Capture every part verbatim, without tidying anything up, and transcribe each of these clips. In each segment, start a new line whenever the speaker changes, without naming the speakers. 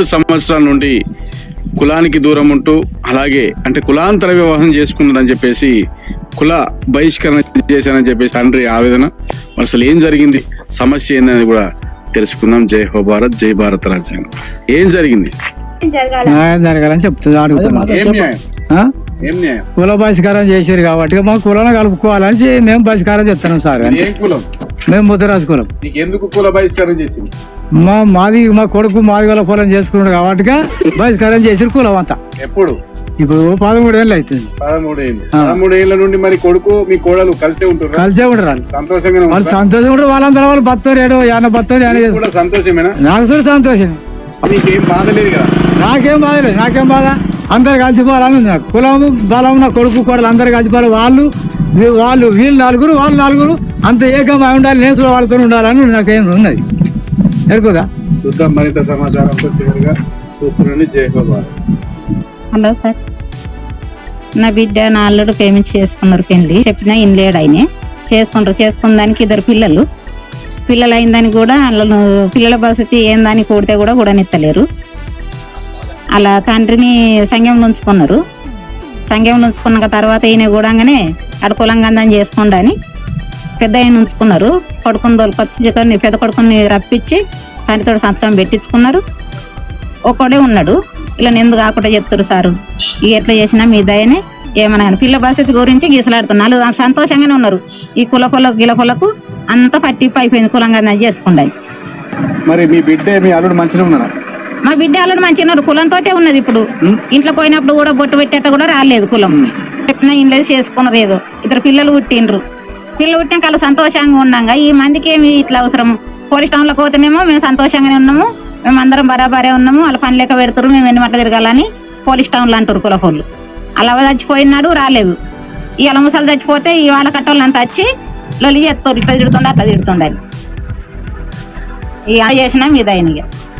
పదిహేడు సంవత్సరాల నుండి కులానికి దూరం ఉంటూ అలాగే అంటే కులాంతర వివాహం చేసుకున్నారని చెప్పేసి కుల బహిష్కరణ చేశానని చెప్పేసి తండ్రి ఆవేదన. అసలు ఏం జరిగింది, సమస్య ఏందని కూడా తెలుసుకుందాం. జై హో భారత్, జై భారత రాజ్యాంగం. ఏం జరిగింది?
న్యాయం జరగాలని చెప్తుంది అడుగుతున్నాం.
ఏం న్యాయం? ఏం న్యాయం?
కుల బహిష్కారం చేశారు కాబట్టి మా కులాన్ని కలుపుకోవాలని మేము బహిష్కారం చెప్తున్నాం సార్.
ఏ కులం?
మేము ముద్దరాజు కులం.
నీకు ఎందుకు కుల బహిష్కారం చేసింది?
మా మాది మా కొడుకు మాదిగల పొలం చేసుకున్నాడు కాబట్టి బహిష్కారం చేసిన కులం అంతా.
ఎప్పుడు?
ఇప్పుడు పదమూడు ఏళ్ళు అవుతుంది.
పదమూడు ఏళ్ళు పదమూడు ఏళ్ళ నుండి మరి కొడుకు మీ కోడలు కలిసే ఉంటారు?
కలిసే ఉంటారు వాళ్ళు.
సంతోషంగా
వాళ్ళు సంతోషం ఉంటారు. వాళ్ళందరూ వాళ్ళు బతారు ఏడో యాన బతారు.
సంతోషమేనా?
నాకు చూడు సంతోషం.
నీకేం బాధ లేదు కదా?
నాకేం బాధ లేదు. నాకేం బాధ? అందరు కలిసిపోవాలని నాకు కులం బలం. నా కొడుకు కోడలు అందరు కలిసిపోవాలి. వాళ్ళు వాళ్ళు వీళ్ళు నలుగురు వాళ్ళు నలుగురు అంత ఏకంగా ఉండాలి. నేను కూడా వాళ్ళతో ఉండాలని నాకేం ఉన్నది. ఎరుకుదా?
చూద్దాం మరింత సమాచారం చివరిగా చూస్తున్నాను. జై హో భారత్.
హలో సార్, నా బిడ్డ నా అల్లుడు పేమెంట్ చేసుకున్నారు. పెళ్లి చెప్పినా ఇన్ లేడు. ఆయన చేసుకుంటారు. చేసుకున్న దానికి ఇద్దరు పిల్లలు పిల్లలు అయిన దానికి కూడా వాళ్ళను పిల్లల పరిస్థితి ఏందని కూడితే కూడా కూడా నెత్తలేరు. అలా తండ్రిని సంఘం ఉంచుకున్నారు. సంఘం ఉంచుకున్న తర్వాత ఈయన కూడానే అడుకులంగా చేసుకోండి అని పెద్ద ఆయన ఉంచుకున్నారు. కొడుకుని దొరికొచ్చి పెద్ద కొడుకుని రప్పించి తండ్రితో సంతకం పెట్టించుకున్నారు. ఒక్కడే ఉన్నాడు. ఇలా ఎందుకు కాకుండా చెప్తారు సారు, ఇక ఎట్లా చేసినా మీ దయనే ఏమన్నా పిల్ల పరిస్థితి గురించి గీసలాడుతున్నారు. వాళ్ళు సంతోషంగానే ఉన్నారు. ఈ కుల పొలకు గిల పొలకు అంతా పట్టింపు అయిపోయింది. కులంగా చేసుకుంటాయి.
మరి మీ బిడ్డ మీ అల్లుడు మంచిగా ఉన్నారా?
మా బిడ్డ అల్లుడు మంచిగా ఉన్నారు. కులంతోటే ఉన్నది. ఇప్పుడు ఇంట్లో పోయినప్పుడు కూడా బొట్టు పెట్టేట కూడా రాలేదు. కులం చెప్పినా ఇంట్లో చేసుకున్నారు. ఏదో ఇద్దరు పిల్లలు పుట్టిండ్రు. పిల్లలు పుట్టినాక అలా సంతోషంగా ఉన్నాగా ఈ మందికి ఏమి ఇట్లా అవసరం? పోలీస్ టౌన్లో పోతేనేమో మేము సంతోషంగానే ఉన్నాము, మేము అందరం బరాబరే ఉన్నాము, వాళ్ళ పని లేక పెడతారు, మేము ఎన్ని మట్ల తిరగాలని పోలీస్ టౌన్లో అంటారు కులపోళ్ళు. అలా చచ్చిపోయినాడు రాలేదు. ఇవాళ ముసలు చచ్చిపోతే ఈ వాళ్ళ కట్టోళ్ళు అంతా వచ్చి లొలి చేస్తారు. ఇట్లా తిడుతుండే అట్లా తిడుతుండే. ఇక చేసినా మీద ఆయన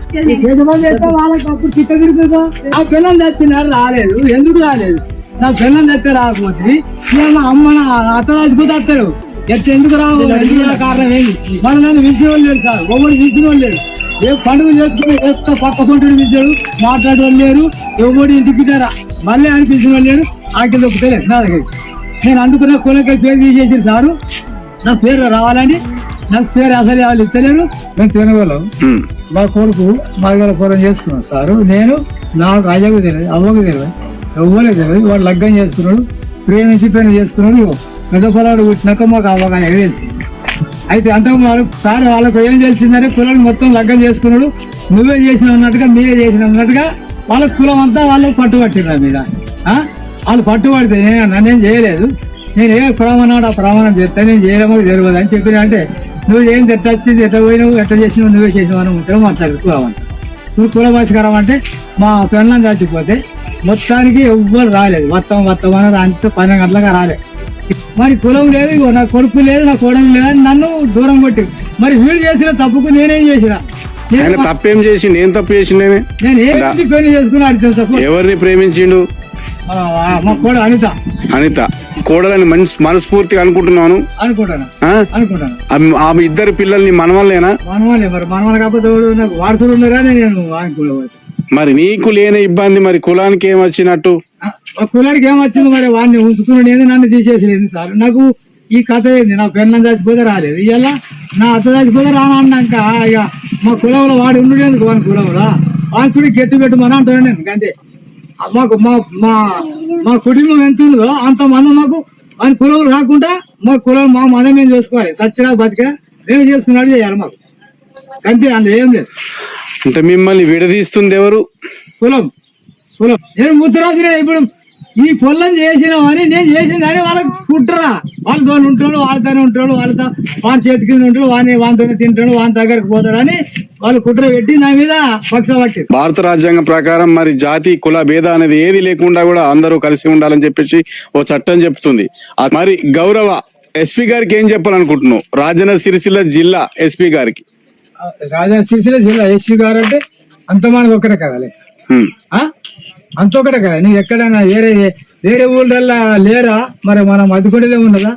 నా పిల్లలు తెచ్చినారు రాలేదు. ఎందుకు రాలేదు? నా పిల్లలు తెస్తే రాకపోతే అమ్మ అత్త రాసిపోతే వస్తారు. ఎట్లా ఎందుకు రావు? ఎందుకు కారణం ఏంటి? మన నన్ను పిలిచిన వాళ్ళు లేరు సార్. ఎవరు పిలిచిన వాళ్ళు లేరు. ఏ పండుగ చేసుకుని ఎంత పక్క సొంటుడు పిలిచాడు, మాట్లాడే వాళ్ళు లేరు. ఎవరు ఇంటికి రా మళ్ళీ అని పిలిచిన వాళ్ళు లేరు. ఆకి దొక్కుతలేదు నా దగ్గర. నేను అందుకున్న కులకి పేరు తీసేసారు సారు. నా పేరు రావాలని నాకు పేరు అసలు వాళ్ళు ఇస్తలేరు. మేము తినగలం. మా కొడుకు మాదిగల పొలం చేసుకున్నాం సారు. నేను నాకు అజకు తెలియదు, అవ్వకు తెలియదు, ఎవ్వరే తెలియదు. వాడు లగ్గం చేసుకున్నాడు, ప్రేమించి పెళ్లి చేసుకున్నాడు. పెద్ద పొలాడు పుట్టినాక మాకు అవగాహన తెలిసి అయితే అంత సార్ వాళ్ళకు ఏం తెలిసిందంటే కులాన్ని మొత్తం లగ్గం చేసుకున్నాడు. నువ్వే చేసిన అన్నట్టుగా మీరే చేసిన అన్నట్టుగా వాళ్ళ కులం అంతా వాళ్ళు పట్టుబట్టిన మీద వాళ్ళు పట్టుబడితే నన్నేం చేయలేదు. నేను ఏ ప్రమాణాడు ఆ ప్రమాణం చేస్తే నేను చేయలేమో తెలియదు అని చెప్పిన. అంటే నువ్వు ఏం ఎట్లా వచ్చింది, ఎట్లా పోయినావు, ఎట్లా చేసినావు, నువ్వే చేసినావు అని ఉంటావు మాట్లాడు కులం అంతా. నువ్వు కుల బహిష్కారం అంటే మా పెళ్ళం చచ్చిపోతే మొత్తానికి ఎవ్వరు రాలేదు. మొత్తం మొత్తం అని అంత పన్నెండు గంటలుగా రాలేదు. మరి కులం లేదు, నా కొడుకు లేదు, నా కోడలు లేదు అని నన్ను దూరం కొట్టి మరి వీడు చేసిన తప్పుకు నేనేం చేసిన?
తప్పేం చేసి నేను తప్పు చేసి
నేను ఏం పెళ్లి చేసుకుని అడిగితే
ఎవరిని ప్రేమించిండు?
మా కోడ అనిత.
అనిత కోడలని మంచి మనస్ఫూర్తిగా అనుకుంటున్నాను
అనుకుంటాను అనుకుంటాను
ఆమె ఇద్దరు పిల్లల్ని మనవాళ్ళేనా?
మనవాళ్ళే. మరి మనవాళ్ళు కాకపోతే వారసులు ఉన్నారా? నేను అనుకోలేదు.
మరి నీకు లేని ఇబ్బంది మరి కులానికి ఏం వచ్చినట్టు?
కులానికి ఏం వచ్చింది? మరి వాడిని ఉంచుకున్నాడు, నన్ను తీసేసలేదు సార్. నాకు ఈ కథ ఏంది? నా పెళ్ళం చచ్చిపోతే రాలేదు, ఇవాళ నా అత్త చచ్చిపోతే రానన్నాక ఇక మా కులంలో వాడు ఉండేందుకు వాని కులంలో వాన్సుడి గట్టి పెట్టమని అంటాను నేను. అంతే మాకు మా మా మా కుటుంబం ఎంత ఉందో అంతమంది మాకు వాని కులంలో రాకుండా మా కులం మా మనం ఏం చేసుకోవాలి. సచ్చిగా బతికా మేము చేసుకున్నాడు చేయాలి మాకు. అంతే, అందులో ఏం లేదు.
అంటే మిమ్మల్ని విడదీస్తుంది ఎవరు?
కులం. కులం నేను ముద్రాసిన ఇప్పుడు ఈ పొలం చేసినామని నేను చేసిందని వాళ్ళకి కుట్రా. వాళ్ళతో ఉంటాడు, వాళ్ళతోనే ఉంటాడు, వాళ్ళతో వాని చేతి కింద ఉంటాడు, వాని వానితోనే తింటాడు, వాని దగ్గరకు పోతాడు అని వాళ్ళు కుట్ర పెట్టి నా మీద పక్ష పట్టి.
భారత రాజ్యాంగం ప్రకారం మరి జాతి కుల భేద అనేది ఏది లేకుండా కూడా అందరూ కలిసి ఉండాలని చెప్పేసి ఓ చట్టం చెప్తుంది. మరి గౌరవ ఎస్పీ గారికి ఏం చెప్పాలనుకుంటున్నావు? రాజన్న సిరిసిల్ల జిల్లా ఎస్పీ గారికి.
రాజన్న సిరిసిల్ల జిల్లా ఎస్పీ గారు అంటే అంత మనకు ఒక్కడే కదాలి, అంత ఒకటే కదా. నువ్వు ఎక్కడైనా వేరే వేరే ఊళ్ళల్లా లేరా? మరి మనం మధ్యకొండలే ఉన్నదా?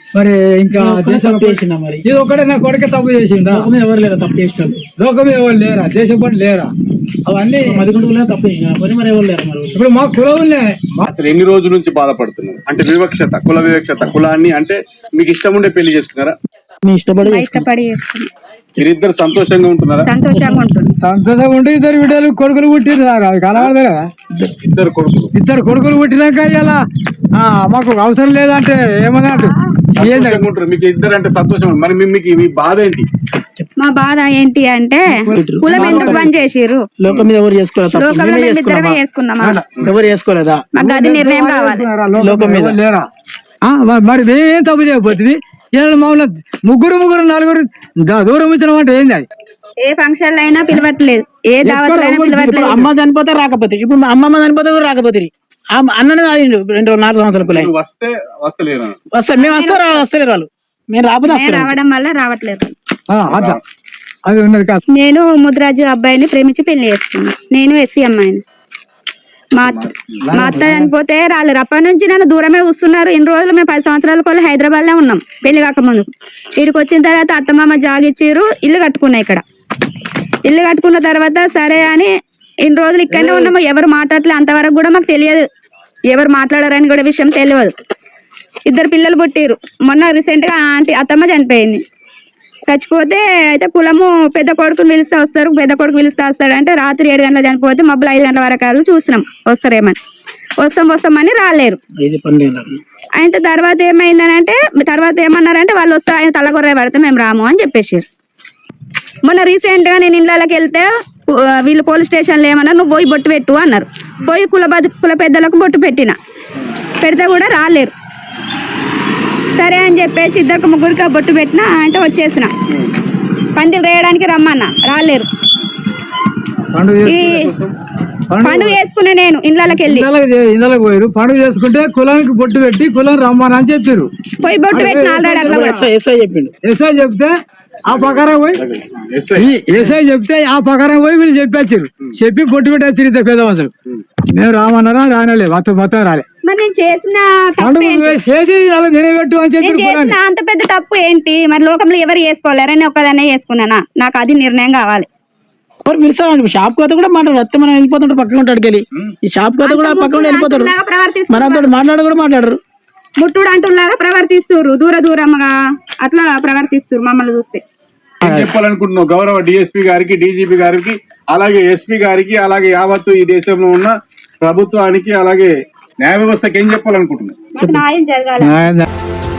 మరి ఇంకా దేశం
చేసిన మరి
ఇది ఒకటే నా కొడుకే తప్పు చేసిందా?
లోకం ఎవరు లేరా తప్పు చేసిన
లోకం ఎవరు లేరా? దేశం పట్ల లేరా? అవన్నీ
మదికొండలో తప్పు చేసిన మరి మరి ఎవరు లేరా మరి
ఇప్పుడు మా కులవులే
అసలు ఎన్ని రోజుల నుంచి బాధపడుతున్నారు? అంటే వివక్షత, కుల వివక్షత, కులాన్ని అంటే మీకు ఇష్టం ఉండే పెళ్లి చేసుకున్నారా?
మీ ఇష్టపడి
ఇష్టపడి చేసుకున్నాం,
మీరిద్దరు సంతోషంగా ఉంటున్నారా?
సంతోషంగా ఉంటుంది.
సంతోషం ఉంటే ఇద్దరు బిడ్డలు కొడుకులు పుట్టిరు అది కలవడదు కదా.
ఇద్దరు కొడుకులు
ఇద్దరు కొడుకులు పుట్టినాక ఇలా మాకు అవసరం లేదంటే ఏమన్నట్టు
సంతోషంగా ఉంటారు. మీకు ఇద్దరు అంటే సంతోషం. మరి మీ- మీకు మీ బాధ ఏంటి?
మా బాధ ఏంటి అంటే కులం ఎందుకు బంద్ చేసిర్రు?
లోకం మీద ఎవరు చేసుకోలేదా తప్పు?
లోకంలో
మేమే
మేము
చేసుకున్నామా?
ఇద్దరమే చేసుకున్నామా?
ఎవరు చేసుకోలేదా?
మాకు అది నిర్ణయం కావాలి.
లోకం మీద.
లేరా? ఆ, మ- మరి మేమేం తప్పు చేయకపోతుంది. మామూలు ముగ్గురు ముగ్గురు నలుగురు ద- దూరం ఇచ్చిన అంటే ఏంది అది?
ఏ ఫంక్షన్ అయినా పిలవట్లేదు, ఏ దావత్లో అయినా
ఇప్పుడు
పిలవట్లేదు.
అమ్మ చనిపోతే రాకపోతే, ఇప్పుడు మా అమ్మమ్మ చనిపోతే కూడా రాకపోతే, అన్ననే తాగిండు రెండు నాలుగు సంవత్సరాల పిల్ల
మీరు వస్తే వస్తలేరా?
వస్తారు. మేము వస్తారు వస్తలేరు వాళ్ళు, మేము రాకపోతే
మేము
వస్తారు.
రావడం వల్ల రావట్లేదు.
ఆ, అట్లా అది ఉన్నది కాదు.
నేను ముద్రాజు అబ్బాయిని ప్రేమించి పెళ్లి చేసుకున్నా. నేను ఎస్సీ అమ్మాయిని. మా అత్త మా అత్త చనిపోతే రాలేరు. అప్పటి నుంచి నన్ను దూరమే చూస్తున్నారు. ఇన్ని రోజులు మేము పది సంవత్సరాల కొల్ల హైదరాబాద్ లో ఉన్నాం పెళ్లి కాకముందు. ఇక్కడికి వచ్చిన తర్వాత అత్తమామ జాగిచ్చిరు, ఇల్లు కట్టుకున్నా. ఇక్కడ ఇల్లు కట్టుకున్న తర్వాత సరే అని ఇన్ని రోజులు ఇక్కడనే ఉన్నాము. ఎవరు మాట్లాడలే, అంతవరకు కూడా మాకు తెలియదు. ఎవరు మాట్లాడారని కూడా విషయం తెలియదు. ఇద్దరు పిల్లలు పుట్టిరు. మొన్న రీసెంట్ గా ఆంటీ అత్తమ్మ చనిపోయింది. చచ్చిపోతే అయితే కులము పెద్ద కొడుకుని పిలిస్తే వస్తారు, పెద్ద కొడుకు పిలిస్తే వస్తాడు అంటే రాత్రి ఏడు గంటల చనిపోతే మబ్బులు ఐదు గంటల వరకు చూసినాం వస్తారేమని. వస్తాం వస్తామని రాలేరు.
ఇది పన్నెండు
అయితే తర్వాత ఏమైందని అంటే తర్వాత ఏమన్నారంటే వాళ్ళు వస్తే ఆయన తలగొర్ర పడితే మేము రాము అని చెప్పేసారు. మొన్న రీసెంట్ గా నేను ఇళ్ళకి వెళ్తే వీళ్ళు పోలీస్ స్టేషన్లో ఏమన్నారు, నువ్వు పోయి బొట్టు పెట్టు అన్నారు. పోయి కుల కుల పెద్దలకు బొట్టు పెట్టిన, పెడితే కూడా రాలేరు. సరే అని చెప్పేసి ఇద్దరికి ముగ్గురికి బొట్టు పెట్టిన అంటే వచ్చేసిన. పందిలు రేయడానికి రమ్మన్నా, రాలేరు.
పండుగ
ఈ పండుగ చేసుకునే నేను ఇళ్ళకి వెళ్ళి
ఇళ్ళకి పోయారు. పండుగ చేసుకుంటే కులానికి బొట్టు పెట్టి కులం రమ్మని అని చెప్పారు.
పోయి బొట్టు పెట్టిన ఆల్రెడీ అట్లా కూడా.
ఎస్ఐ చెప్పిండు.
ఎస్ఐ చెప్తే ఆ ప్రకారం పోయి ఈ ఎస్ఐ చెప్తే ఆ ప్రకారం పోయి వీళ్ళు చెప్పేసారు. చెప్పి బొట్టు పెట్టేస్తారు ఇద్దరు పెద్ద మనుషులు. మేము రామన్నారా రానలే, మొత్తం మొత్తం రాలే.
మరి నేను చేసిన తప్పు
పండుగ
ఏంటి?
చేసి నిలబెట్టు అని
నేను
చెప్పి
చేసిన అంత పెద్ద తప్పు ఏంటి? మరి లోకంలో ఎవరు చేసుకోలేరు, నేను ఒక్కదాన్నే చేసుకున్నానా? నాకు అది నిర్ణయం కావాలి.
ఎవరు పిలుస్తారండి? షాప్ కోత కూడా మాట్లాడు, అత్తే మనం వెళ్ళిపోతుంటారు పక్కన ఉంటాడు వెళ్ళి. ఈ షాప్ కోత కూడా పక్కన వెళ్ళిపోతారు.
అంటులాగా ప్రవర్తిస్తున్నారు.
మనతో మాట్లాడు కూడా మాట్లాడరు.
ముట్టుడు అంటులాగా ప్రవర్తిస్తున్నారు, దూర దూరంగా అట్లా ప్రవర్తిస్తున్నారు మమ్మల్ని చూస్తే.
ఏం చెప్పాలనుకుంటున్నావు గౌరవ డిఎస్పీ గారికి, డీజీపీ గారికి, అలాగే ఎస్పీ గారికి, అలాగే యావత్తు ఈ దేశంలో ఉన్న ప్రభుత్వానికి, అలాగే న్యాయ వ్యవస్థకి ఏం చెప్పాలనుకుంటున్నావు?
మాకు న్యాయం జరగాలి.
ఆయన